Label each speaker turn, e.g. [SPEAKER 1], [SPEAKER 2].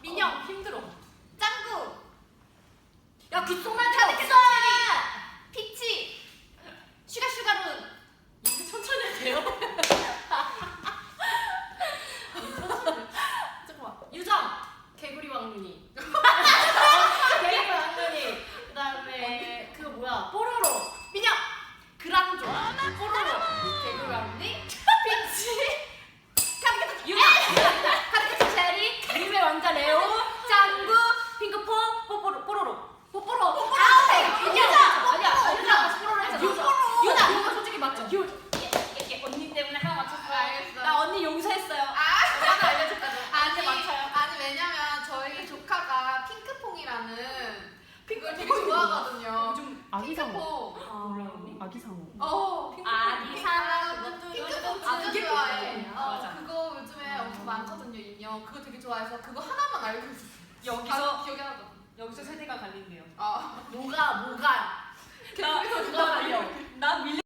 [SPEAKER 1] 민영 힘들어.
[SPEAKER 2] 짱구.
[SPEAKER 1] 야 귓속말 없어.
[SPEAKER 2] 피치. 슈가룬.
[SPEAKER 1] 이제 천천히 해도 돼요? 잠깐만. 유정 개구리 왕눈이. 개구리 왕눈이. 그다음에 그거 뭐야? 뽀로로. 민영 그랑조. 뽀로로. 개구리 왕눈이. 피치. 유나. 카르케트 체리. 유메 왕자 레오. 짱구. 핑크퐁. 뽀로로. 유나. 아니야. 뽀로로 했잖아. 유나 솔직히 맞죠? 언니 때문에 하나 맞췄어요.
[SPEAKER 2] 알겠어.
[SPEAKER 1] 나 언니 용서했어요. 하나 알려줬거든. 언니 맞춰요.
[SPEAKER 2] 아니 왜냐면 저희 조카가 핑크퐁이라는 그걸 되게 좋아하거든요.
[SPEAKER 1] 요즘
[SPEAKER 3] 아기상어.
[SPEAKER 2] 핑크퐁.
[SPEAKER 1] 몰라 언니?
[SPEAKER 3] 아기상어.
[SPEAKER 1] 아기상어.
[SPEAKER 2] 핑크퐁
[SPEAKER 1] 아,
[SPEAKER 2] 진짜
[SPEAKER 1] 그게
[SPEAKER 2] 좋아해.
[SPEAKER 1] 핑크퐁이야. 맞아.
[SPEAKER 2] 그거 요즘에 엄청 많거든요, 인형. 그거 되게 좋아해서 그거 하나만 알고 있었어요.
[SPEAKER 1] 여기서
[SPEAKER 2] 기억이 하나도.
[SPEAKER 1] 여기서 세대가 갈린대요.
[SPEAKER 2] 아.
[SPEAKER 1] 뭐가
[SPEAKER 2] 개구리가
[SPEAKER 1] 나 밀려. 나 밀려.